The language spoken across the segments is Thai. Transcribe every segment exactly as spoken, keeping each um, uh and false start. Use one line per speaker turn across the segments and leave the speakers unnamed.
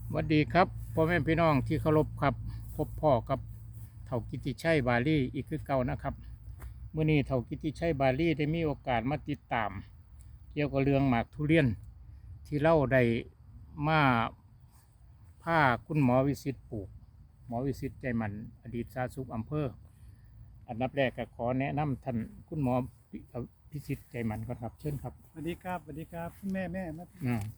สวัสดีครับพ่อแม่พี่น้องที่เคารพครับพบพ่อกับเฒ่ากิติชัยบาลีอีกคือเก่านะครับเมื่อนี้เฒ่ากิติชัยบาลีได้มีโอกาสมาติดตาม เกี่ยวกับเรื่องหมากทุเรียนที่เล่าได้มาผ้าคุณหมอวิสิตปลูกหมอวิสิตใจมันอดีตสาธารณสุขอำเภออันดับแรกก็ขอแนะนำท่านคุณหมอวิสิตใจมันก่อนครับเชิญครับ
สวัสดีครับสวัสดีครับคุณแม่แม่มา
อ่า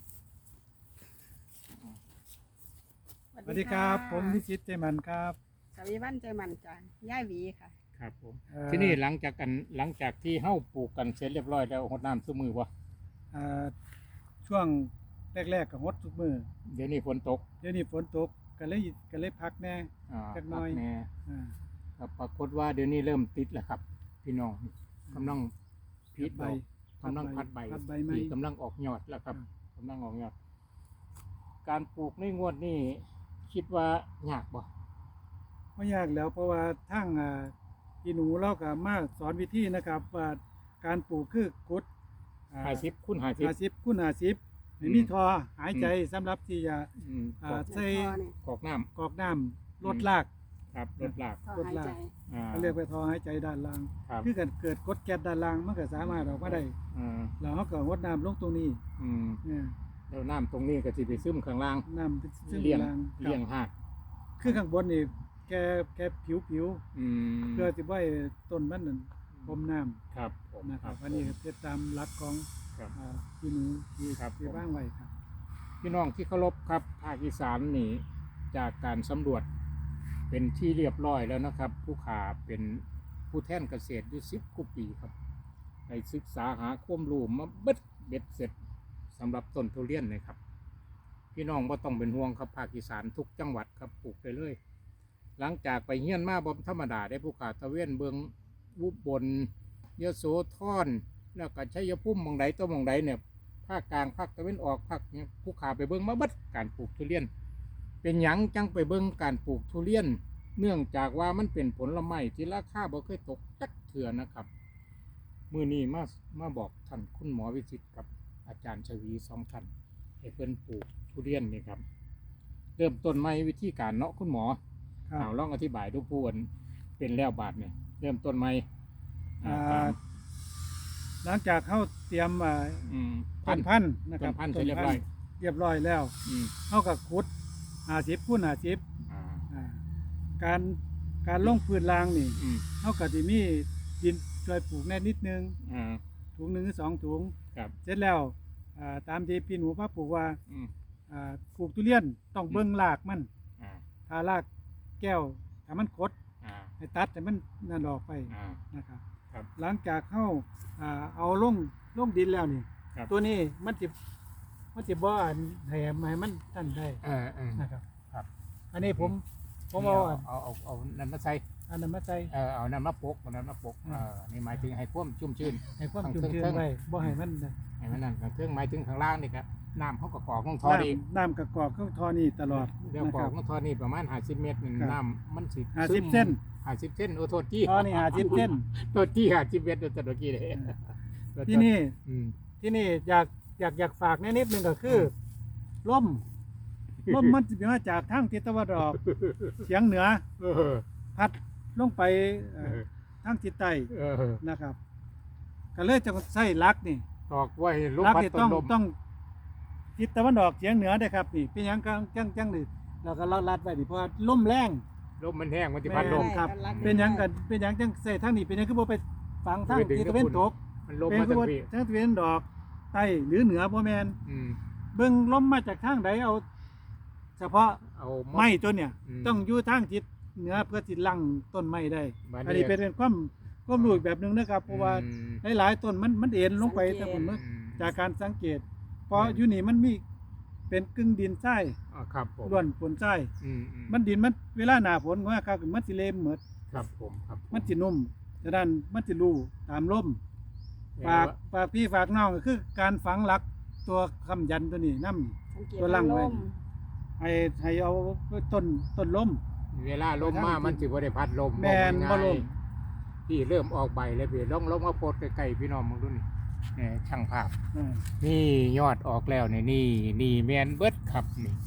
สวัสดีครับผมวิชิตใจมันครับ
สวีวันใจมันจ้ะย่ายหวีค่ะ
ครับผม
เอ่อ
ที่นี่หลังจากกันหลังจากที่เฮ้าปลูกกันเสร็จเรียบร้อยแล้วหดน้ำซุมือวะ
เอ่อช่วงแรกๆกับฮดทุกมือ
เดี๋ยวนี้ฝนตก
เดี๋ยวนี้ฝนตกก็เลยก็เลยพักแน่
อ่า
จักหน่อย
พัแน่
อ่า
ครับปรากฏว่าเดี๋ยวนี้เริ่มติดแล้วครับ พี่น้องกำลังพีด
ใบ
ดอกกำลังพัดใบ
พัดใบไม้
ที่กำลังออกยอดแล้วครับกำลังออกยอด การปลูกในงวดนี้คิดว่ายากบ่
ไม่ยากแล้วเพราะว่าทั้งอ่าพี่หนูเราก็มาสอนวิธีนะครับว่าการปลูกคือกุด
หาสิบคุณหาสิบ
หาสิบคูณหาสิบไม่มีทอหายใจสำหรับที่จะ
อืม
อ่า ใส่
กอกน้
กรอกน้ำลดราก
ำครับรถลาก
ท่อหายใจ
อ่า
เขาเรียกไปทอหายใจด้านล่าง
ครับ
คือกันเกิดกดแก๊สด้านล่างมันก็สามารถออกมาได้
อ่า
แล้วเขาก็งดน้ำลงตรงนี้
อืม
เนี่ย
แล้วน้ำตรงนี้ก็สิไปซึมข้างล่าง
น้ำเป็นซึ่ง
เลี้ยง
ล่าง
เลี้ยงหาก
คือข้างบนนี่แกแกผิวผิว
อืม
เพื่อที่ว่าต้นมันนั่นพรมน้
ครับผม
ำนะครับอันนี้ก็เป็นตามหลักของ
ครับ
อ่าพี่หนูที่
ครับ
ที่
ผม
ว่างไว้ครับ
พี่น้องที่เคารพครับภาคอีสานนี่จากการสำรวจเป็นที่เรียบร้อยแล้วนะครับ ผู้ขาเป็นผู้แทนเกษตรอยู่สิบกว่าปีครับได้ศึกษาหาความรู้มาเบิดเบ็ดเสร็จสำหรับต้นทุเรียนเลยครับ พี่น้องบ่ต้องเป็นห่วงครับภาคอีสานทุกจังหวัดครับปลูกไปเลย หลังจากไปเฮียนมาบ่ธรรมดาได้ผู้ขาตะเวนเบืองอุบลยโสธรแล้วก็ชัยภูมิหมองใดตัวหมองใดเนี่ยภาคกลางภาคตะเวนออกภาคเนี่ยผู้ขาไปเบิ่งมาเบิดการปลูกทุเรียน เป็นหยังจังไปเบิ่งการปลูกทุเรียน เนื่องจากว่ามันเป็นผลไม้ที่ราคาบ่เคยตกจักเถื่อนะครับมื้อนี้มามาบอกท่านคุณหมอวิจิตรกับอาจารย์ชวีสองท่านให้เพิ่นปลูกทุเรียนนี่ครับ เริ่มต้นใหม่วิธีการเนาะคุณหมอ
ครับ
เอาลองอธิบายดูผู้อันเป็นแล้วบาทเนี่ยเริ่มต้นใหม่อ่า
อ่าหลังจากเขาเตรียมอ่า
อืม
ต้นพันธุ์นะค
ต้
รับ
นพันธุ์เสร็จเรียบร้อย
เรียบร้อยแล้ว
อืม
เขาก็ขุดหาสิบคูณหาสิบ
อ่า
อ่าการการลงพื้นรางนี่
อืม
เขาก็จะมีดินช่วยปลูกแน่นิดนึง
อ่า
ถุงหนึ่งหรือสองถุง
ครับ
เสร็จแล้วอ่าตามที่พี่หนูพ่อปลูกว่า
อืม
อ่าปลูกทุเรียนต้องเบิ้งรากมัน
อ่า
ถ้ารากแก้วถ้ามันคด
อ่า
ให้ตัดแต่มันนั่นออกไป
อ่า
นะครับ
ครับ
หลังจากเข้าอ่าเอาลงลงดินแล้วนี่
ครับ
ตัวนี้มันจะมันจะบ่อนให้ให้มันตันได้
เออเออ
นะครับ
ครับ
อันนี้ผมผมเอาอัน
เอาเอาเอานั่นมาใส่
อันนั้นมาใส่
เออเอานั่นมาปกเอานั่นมาปก
อืม
เออนี่หมายถึงให้ความชุ่มชื้น
ให้ความ
ข้าง
ชุ่มชื้น
เทิงๆ
ไว้บ่ให้มันนะ
ให้มันนั่นเครื่องหมายถึงข้างล่างนี่ครับน้ำเขาก็กรอกลงท่อดี
น้ำน้ำกระกอกก็ทอนี่ตลอด
เดี๋ยว
นะ
กร
ค
อ
รั
ก
บ
ลงท่อนี่ประมาณห้าสิบเมตรนี่
ครับ
น้ำมันสิ
ห้าสิบเส้น
ห้าสิบเส้นโอ้โทษที่
ทอนี่หาสิบเส้น
โทษที่ห้าสิบเมตรโดยตะกี้เลย
ที่นี่
อืม
ที่นี่อยากอยากอยากฝากแน่นิดนึงก็คือล่มล่มมันจะมาจากทางทิศตะวันออกเฉียงเหนือ
เออ
พัดลงไปเอ่อทางทิศใต้
เออ
นะครับ ก็เลยจะใส่ลักนี่
ตอกไว้ลูก
ลัก
พัด
นี่
ต้
ต้อน ง
ลม
ต้องทิศตะวันออกเฉียงเหนือได้ครับนี่เป็นหยังจังจังจังนี่เราก็ลัดไว้ดิเพราะว่าลมแรง
ลมมันแห้งมันจะพัดลม
ครับ
ลัก
เป็นหยังกันเป็นหยังจังใส่ทางนี้เป็นหยังคือบ่ไปฝังทาง
ไปดึง
ทิศตะวันตก
มันลม
เป็น
มา
คือ
จาก
ว่า
พี่
ทางตะวันออกใต้หรือเหนือบ่แม่น
อืม
เบิ่งลมมาจากทางใดเอา เฉพาะ
เอา
ไม้ต้นเนี่ย
อืม
ต้องอยู่ทางทิศเหนือเพื่อที่ลั่งต้นไม้ได้
บัดนี้
อันนี้เป็นความความรู้อีกแบบหนึงนะครับเพราะว่า
อืม
หลายๆต้นมันมันเอ็นลงไป
สังเกต
แต่ผมว่า
อืม
จากการสังเกต เพราะอยู่นี่มันมีเป็นกึ่งดินทราย
อ่าครับผม
ล้วนฝนทราย
อืมอื
มันดินมันเวลาหน้าฝนว่าครับมันสิเละเหมือด
ครับผมครับผ
มันสินุ่มฉะนั้นมันสิรูตามลมฝากฝากพี่ฝากน้องก็คือการฝังหลักตัวคำยันตัวนี้นำ
สังเกต
ตัวลังไว้
ลม
ให้ให้เอาต้นต้นลม
เวลาลมมามันสิบ่ได้พัดลม
แม่นบ่ลม
พี่เริ่มออกใบแล้วพี่ลองลองมาโพดใกล้ๆพี่น้องมึงดูนี่นี่ช่างภาพ
อ่า
นี่ยอดออกแล้วนี่นี่นี่แมนเบิดครับนี่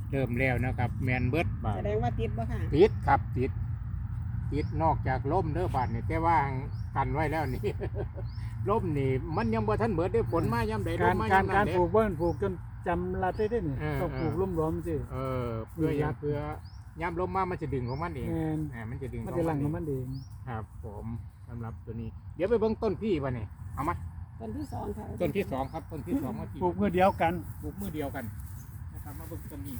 เริ่มแล้วนะครับ แมนเบิดบาด
แสดงว่าติดบ่ค่ะ
ติดครับติดติดนอกจากล่มเด้อบาดนี่แต่ว่ากันไว้แล้วนี่ ล่มนี่มันยังบ่ทันเบิดได้ฝนมายามใดล
การ
มมา
การ
ยามนั้
การ
นเด้
ปลูกเบิ้นปลูกจนจำรัดได้เด้นี่
เออ
ต้องปลูก
เออ
รวมๆสิ
เออเพื่อหยังเพื่อยามลมมามันจะดึงของมันเอง
แม่น
อ่ามันจะดึง
มัน
ของ
จะหลัง
เอ
ของมันเอง
ครับผมสำหรับตัวนี้ เดี๋ยวไปเบิ่งต้นพี่ป่ะนี่เอามา
ต้นที่สองค่ะ
ต้นที่สองครับต้นที่สองมาที่
ปลูกเมื่อเดียวกัน
ปลูกมือเดียวกันนะครับมาเบิ่งต้นนี้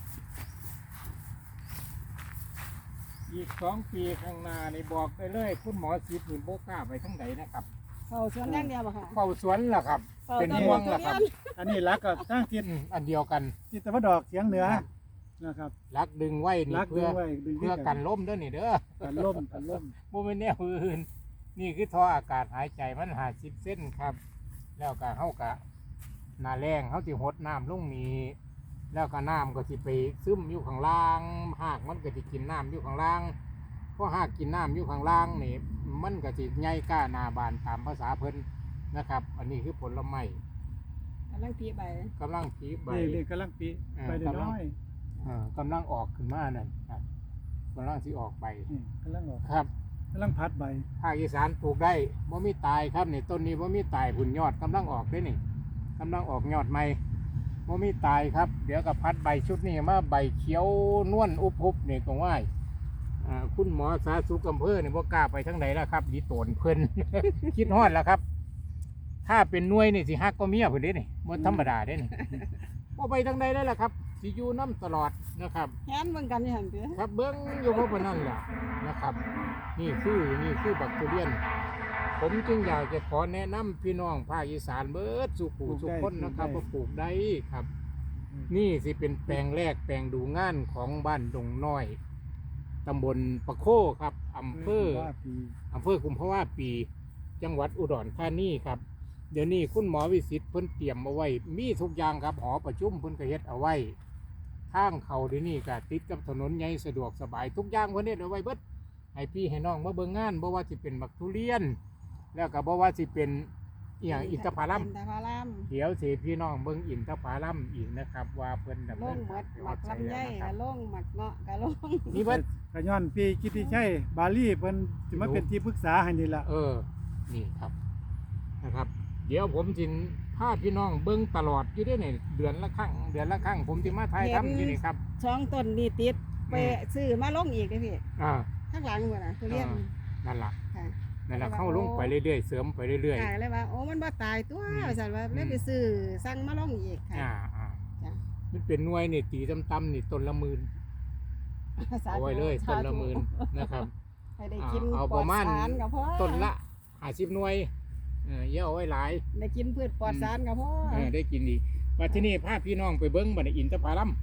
อีกสองปีข้างหน้านี่บอกได้เลย คุณหมอสิบนี่โบกล้าไปทั้งไหนนะครับ
เขาสวนอย่างเดียวบ่ค่ะ
เฝ้าสวนล่ะครับ
ฝ้า
เป็น
ต้
ห่วง
ทุ
ล่ะครับ
เรียน
อันนี้รักก็ตั้งทิศ
อืมอันเดียวกัน
ทิศตะวันออกเฉียงเหนือนะครับ
รักดึงไว้นี่
รักดึ
เพื่อง
ไว้ดึง
เพื่อกันล้มเด้อนี่เด้อ
กันล่มกันล่ม
โมเป็นแนวอื่นนี่คือท่ออากาศหายใจมันหาสิบเส้นครับ แล้วก็เฮากะหนาแรงเฮาสิหดน้ำลงนี้แล้วก็น้ำก็สิไปซึมอยู่ข้างล่างหากมันก็สิกินน้ำอยู่ข้างล่างเพราะหากกินน้ำอยู่ข้างล่างนี่มันก็สิใหญ่กล้าหนาบานตามภาษาเพิ่นนะครับ อันนี้คือผลไม้
กำลังตีใบ
กำลังผีใบ
นี่นี่กำลังปี
เออ
ไปเดี๋ยวน้อย
เอ่อกำลังออกขึ้นมานั่นครับกำลังสิออกใบ
นี่กำลังออก
ครับ
กำลังพัดใบ
ภาคอีสานปลูกได้บ่มีตายครับนี่ต้นนี้บ่มีตายผุนยอดกำลังออกได้นี่กำลังออกยอดใหม่บ่มีตายครับ เดี๋ยวกับพัดใบชุดนี้มาใบเขียวนวลอุบอุบนี่ก็ว่าอ่าคุณหมอสาธารณสุขอำเภอนี่บ่กล้าไปทางไหนแล้วครับดีโตนเพิ่น คิดฮอดแล้วครับ ถ้าเป็นหน่วยนี่สิฮักก็เมียเพิ่นเด้นี่บ่ธรรมดาเด้นี่ บ่ไปทางใดได้ล่ะครับสิอยู่น้ำตลอดนะครับ
แฮนเบิ่งกันนี่หั่นเด้อ
ครับเบิ้งอยู่เพราะปานนั่นแหละนะครับ นี่คือนี่คือบักทุเรียน ผมจึงอยากจะขอแนะนำพี่น้องภาคอีสานเบิดสุขูสุขคนนะครับว่าปลูกได้ครับ นี่สิเป็นแปลงแรกแปลงดูงานของบ้านดงน้อยตำบลปะโคครับอำเภอ
ว่าปี
อำเภอกุมภาวะปี จังหวัดอุดรธานีครับ เดี๋ยวนี้คุณหมอวิสิตเพิ่นเตรียมเอาไว้ มีทุกอย่างครับหอประชุมเพิ่นก็เฮ็ดเอาไว้ทางเขาเดี๋ยวนี้ก็ติดกับถนนใหญ่สะดวกสบายทุกอย่างเพิ่นเฮ็ดเอาไว้เบิดให้พี่ให้น้องมาเบิ่งงานบ่ว่าสิเป็นบักทุเรียน แล้วก็บ่ว่าสิเป็นอีหยังอินทผลัม
อินทผลัม
เดี๋ยวสิพี่น้องเบิ่งอินทผลัมอีกนะครับ ว่าเพิ่นดำ
ล
เนิ
ง
น
หม
การ
ด
ไป
หมัก
ฮอดไส
ลำไย
แล้วนะค
กะ
รับ
ลงหมักเงาะกะลง
นี่เบิด
กระย้อนปีกิติชัยบาลีเพิ่นสิมาเป็นที่ปรึกษาให้นี่ล่ะ
เออ นี่ครับ นะครับ เดี๋ยวผมจินพาพี่น้องเบิ้งตลอดอยู่ได้เนี่ยเดือนละครั้ง เดือนละครั้ง ผมจะมาถ่ายทำอยู่นี่ครับ
ช่องต้นนี่ติดไป
อืม
ซื้อมาลงอีกเด้อพี่
อ่า
ข้างหลังพุ่นน่ะทุเรียน
อ่า นั่นล่ะ
ค่ะ
นั่นล่ะเข้าลงไปเรื่อยๆ เสริมไปเรื่อย
ค่ะเลยว่าโอ้มันบ่ตายตัว
อืม
ว่าซั่นว่าเลยไปซื้อสั่งมาลงอีก
ๆ
ค่ะ
อ่าอ่า
จ้ะ
มันเป็นหน่วยนี่ตีต่ำๆนี่ต้นละหมื่น
สาธุ
เอาไว้เลยต้นละ
สาธุ
หมื่นนะครับ
ให้ได้กิน
เอา
ปล
ป
อ
ระ
ด
มาณ
สารก็พอ
ต้นละห้าสิบหน่วยเออเยอะเอาไว้หลาย
ได้กินพืชปลอดสารก็พอ
เออได้กินดีว่าที่นี่พาพี่น้องไปเบิ้งบัดนี้อินทผลัม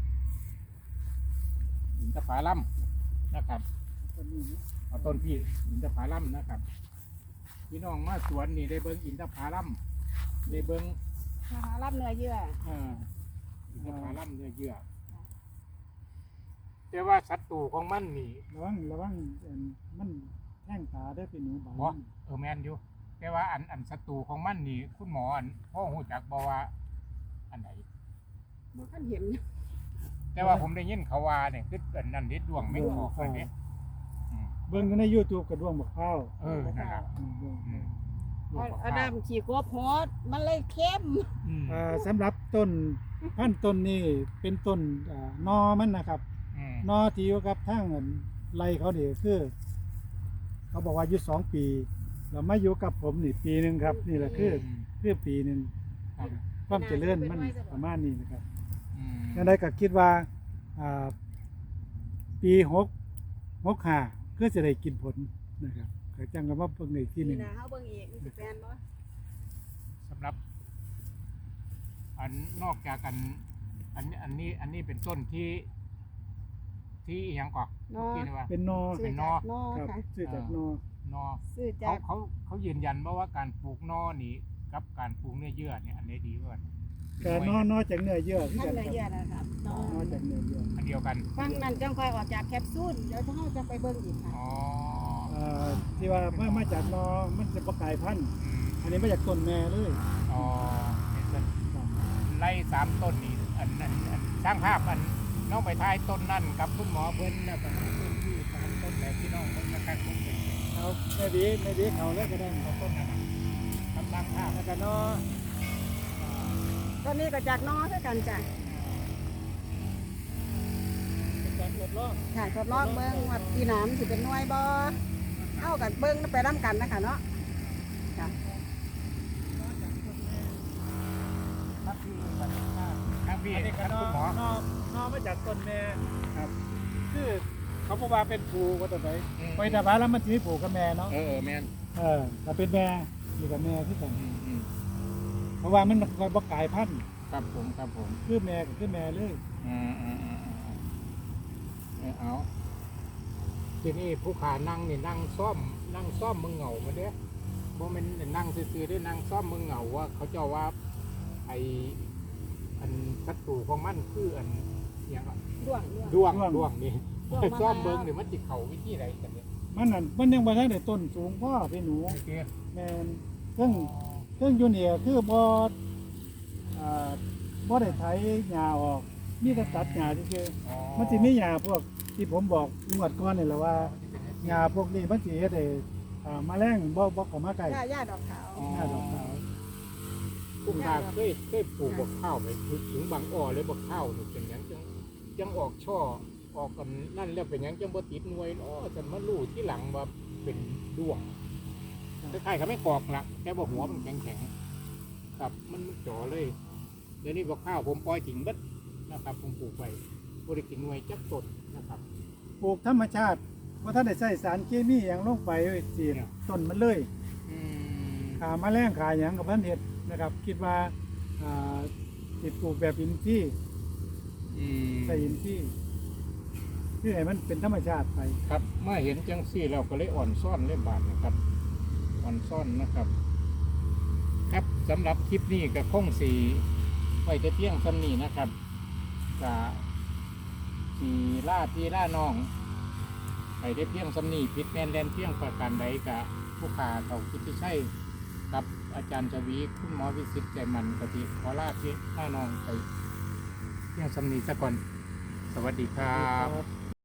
อินทผลัมนะครับ เอาต้นพี่อินทผลัมนะครับ พี่น้องมาสวนนี่ได้เบิ้งอินทผลัมได้เบิ้ง
นะคะรับเนื้อเยื่อ
เอ่ออินทผลัมเนื้อเยื่อแต่ว่าศัตรูของมันนี่
ระวังระวังอันมันแท่งตาได้อเป็นหนูใบ
บ่เออแมนอยู่แต่ว่าอันอันศัตรูของมันนี่คุณหมออันพ่อหูจักบอกว่าอันไหน
บ่คันเห็น
แต่ว่าผมได้ยินเขาว่าเนี่ยคืออันนั้นเด็ดดวงไม่ออกเลยเนี่ยอืม
เบิ่งอยู่ใน YouTube กระดวงบักพร้าว
เออนั่นล่ะ
อืมดวง
อืม
เอาเอาน้ำขี้กบโหดมันเลยเข้ม
อืม
อ่าสำหรับต้นพันธุ์ต้นนี้เป็นต้นอ่านอมันนะครับ
อืม
นอที่อยู่กับทางอันไรเขานี่คือ เขาบอกว่าอายุสองปีเรามาอยู่กับผมนี่ปีหนึ่งครับ นี่แหละคือคือปีหนึ่ง
ครับ
ความเจริญมันประมาณนี้นะครับ
อืม
ยังไงก็คิดว่าอ่าปีหกหกห้าเพื่อจะได้กินผลนะครับก็จังกับว่าเพิ่งในที่หนึ่ง
นะเฮาเบิ่งอีกมันสิแปลนบ่
สำหรับ อันนอกจากกันอันอันนี้อันนี้เป็นต้นที่ ที่อหยังก่อน
เนาะ
ที่นี่ว่า
เป็นนอ
ซื้อ
เป็นน
จา
อ
กนอ
ครับ
ค่ะ
ซื้อจากนอ
นอ
ซื้อ
เขา
จาก
เขาเขายืนยันว่าว่าการปลูกนอนี่กับการปลูกเนื้อเยื่อเนี่ยอันไหนดีกว่ากัน
แต่นอนอจากเนื้อเยื่อคือ
ท่าน
กัน
เนื้อ
ค
เยื่อ
รับ
นะครับนอน
อจากเนื้อเยื่อ
อันเดียวกัน
ฟังนั้นจังค่อยออกจากแคปซูลเดี๋ยวเฮาจะไปเบิ่งอีกค่ะ
อ๋อ
อ่าที่ว่ามามาจากนอมันจะประกายพันธุ์
อืม
อันนี้มาจากต้นแม่เลย
อ๋อเห็นต้นไล่สามต้นนี่อันอันอันสร้างภาพอันน้องไปทายต้นนั่นกับคุณหมอเพิ่นแล้วก็มาต้นที่ตามต้นแบบที่น้องเพิ่นนะครับผมเป็น
เอาไม่ดีไม่ดีเขาเลยก็ได้
เอาต้นนั้นน่ะกำลังภาพ
แล้วก็เนาะ
ตอนนี้ก็จากนอคือกันจ้ะ
เป็นการทดลอง
ค่ะทดลองเบิ่งว่าปีหน้ามันสิเป็นหน่วยบ่เอากันเบิ่งไปนํกันนะคะเนาะค่ะ
ครับพี่ครับพี่
อันนี้
ค
ก็
รับ
นอ
คุณหมอน
อนอมาจากต้นแม่
ครับ
คือเขาบอกว่าเป็นผูก็ตัวไหน
อืม
ไปแต่ว่าแล้วมันจะมีผูกับแม่เนาะ
เออเออแม่น
เออถ้าเป็นแม่อยู่กับแม่ที่กัน
อืมอืม
เพราะว่ามันคอยบอกกายพันธุ์
ครับผมครับผม
คือแม่ก็คือแม่เลย
อ่าอ่าอ่าอ่าเออเอาทีนี้ผู้ขานั่งนี่นั่งซ่อม นั่งซ่อมมึงเหงามาเด้บ่แม่นนั่งซื่อๆได้นั่งซ่อมมึงเหงาว่าเขาเจ้าว่าไออันศัตรูของมันคืออันอย่างอะ
ด้วงด้วง
ด้วงด้วงนี่
ด้วงมา
ซ่อม
แล้ว
เบิ้งนี่มันจิเขาวิธีใดกันเนี่ย
มันนั่นมันยังบ่ทันได้ต้นสูงพ่อพี่หนู
โอเค
แม่นซึ่งซึ่งอยู่เนี่ยคือบ่อ่าบ่ได้ไถหญ้าออกมีแต่ตัดหญ้าซื่อ
อ๋อ
ๆมันสิมีหญ้าพวกที่ผมบอกงวดก่อนนี่แหละว่าหญ้าพวกนี้มันสิเฮ็ดให้อ่าแมลงบ่บ่เข้ามาใกล้
หญ้าหญ้าดอกขาว
อ๋อ
หญ้าดอกขาว
คุณตาเคยเคยปลูกบักข้าวไหมถึงถึงบางอ้อเลยบักข้าวนี่เป็นหยังจังจังออกช่อออกกันนั่นแล้วเป็นหยังจังบ่ติดหน่วยเนาะฉันมารู้ที่หลังว่าเป็นด้วงคล้ายๆกับไม่กอกละแต่บ่หัวมันแข็งๆครับมันจ่อเลยเดี๋ยวนี้บักข้าวผมปล่อยทิ้งเบิดนะครับผมปลูกไปบ่ได้กินหน่วยจักต้นนะครับ
ปลูกธรรมชาติบ่ทันได้ใช้สารเคมีหยังลงไปสิ
เนี่ย
ต้นมันเลย
อืม
ขาแมลงขาหยังกับพันเห็ดนะครับ คิดว่าอ่าติดปลูกแบบอินทรีย์
อืม
ใส่อินทรีย์ที่ไหนมันเป็นธรรมชาติไป
ครับเมื่อเห็นจังซี่เราก็เลยอ่อนซ่อนเล่บาทนะครับ อ่อนซ่อนนะครับ ครับสำหรับคลิปนี้กับคงสีไว้แต่เพียงสำนีนะครับกับสีล่าพี่ล่าน้องไปได้เพียงสำนีพิษแมนแลนเพียงประการใดกับผู้ขาเขาคิดที่ใช่กับอาจารย์จวีคุณหมอวิสิตใจมันกติขอลาพี่ล่าน้องไปเพียงสำนีซะก่อน สวัสดีครับ